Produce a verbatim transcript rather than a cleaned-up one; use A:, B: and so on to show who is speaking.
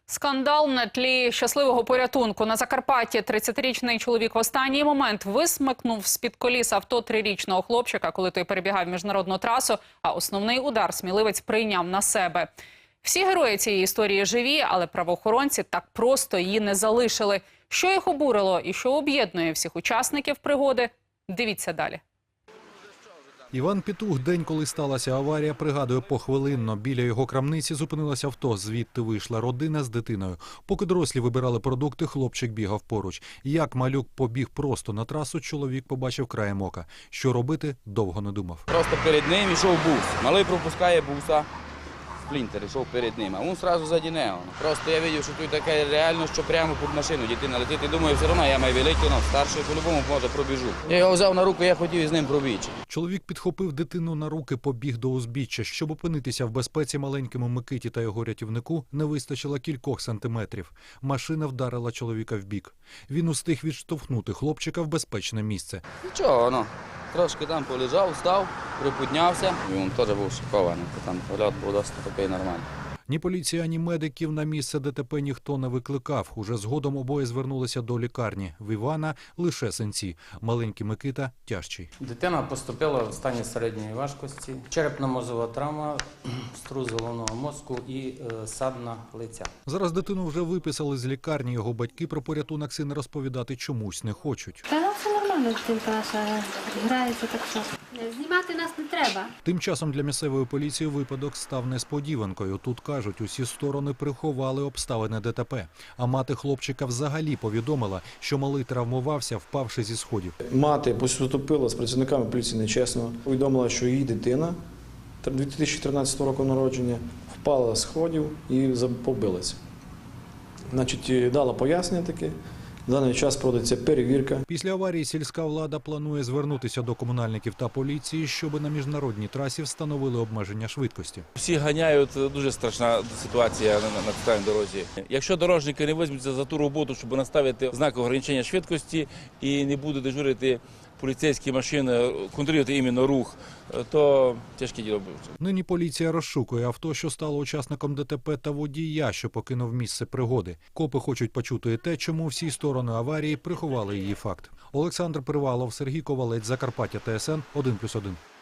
A: Скандал на тлі щасливого порятунку. На Закарпатті тридцятирічний чоловік в останній момент висмикнув з-під коліс авто трирічного хлопчика, коли той перебігав міжнародну трасу, а основний удар сміливець прийняв на себе. Всі герої цієї історії живі, але правоохоронці так просто її не залишили. Що їх обурило і що об'єднує всіх учасників пригоди – дивіться далі.
B: Іван Петух день, коли сталася аварія, пригадує похвилинно. Біля його крамниці зупинилося авто, звідти вийшла родина з дитиною. Поки дорослі вибирали продукти, хлопчик бігав поруч. Як малюк побіг просто на трасу, чоловік побачив краєм ока. Що робити, довго не думав.
C: Просто перед ним йшов бус. Малий пропускає буса. Сплінтер йшов перед ним, а він одразу заді нього. Просто я бачив, що тут таке реально, що прямо під машину дитина летить. І думаю, все одно я маю великий, але старший по-любому може пробіжу. Я його взяв на руку, я хотів із ним пробігти.
B: Чоловік підхопив дитину на руки, побіг до узбіччя. Щоб опинитися в безпеці, маленькому Микиті та його рятівнику не вистачило кількох сантиметрів. Машина вдарила чоловіка в бік. Він устиг відштовхнути хлопчика в безпечне місце.
C: Нічого, ну, трошки там полежав, встав, приподнявся. І він теж був шокований, там польот був досить такий нормальний.
B: Ні поліція, ні медиків на місце ДТП ніхто не викликав. Уже згодом обоє звернулися до лікарні. В Івана лише синці. Маленький Микита тяжчий.
D: Дитина поступила в стані середньої важкості. Черепно-мозова травма, струс головного мозку і е, садна лиця.
B: Зараз дитину вже виписали з лікарні. Його батьки про порятунок сина розповідати чомусь не хочуть.
E: Та ну, все нормально, дитинка наша грається, так що. Знімати нас не треба.
B: Тим часом для місцевої поліції випадок став несподіванкою. Тут, кажуть, усі сторони приховали обставини ДТП. А мати хлопчика взагалі повідомила, що малий травмувався, впавши зі сходів.
F: Мати поступила з працівниками поліції нечесно. Повідомила, що її дитина дві тисячі тринадцятого року народження впала з сходів і побилася. Значить, дала пояснення таке. В даний час проводиться перевірка.
B: Після аварії сільська влада планує звернутися до комунальників та поліції, щоб на міжнародній трасі встановили обмеження швидкості.
G: Всі ганяють, дуже страшна ситуація на, на центральній дорозі. Якщо дорожники не візьмуться за ту роботу, щоб наставити знак ограничення швидкості і не будуть дежурити поліцейські машини, контролювати іменно рух, то тяжке діло буде.
B: Нині поліція розшукує авто, що стало учасником ДТП, та водія, що покинув місце пригоди. Копи хочуть почути і те, чому всі сторони аварії приховали її факт. Олександр Привалов, Сергій Ковалець, Закарпаття, Т С Н, один плюс один.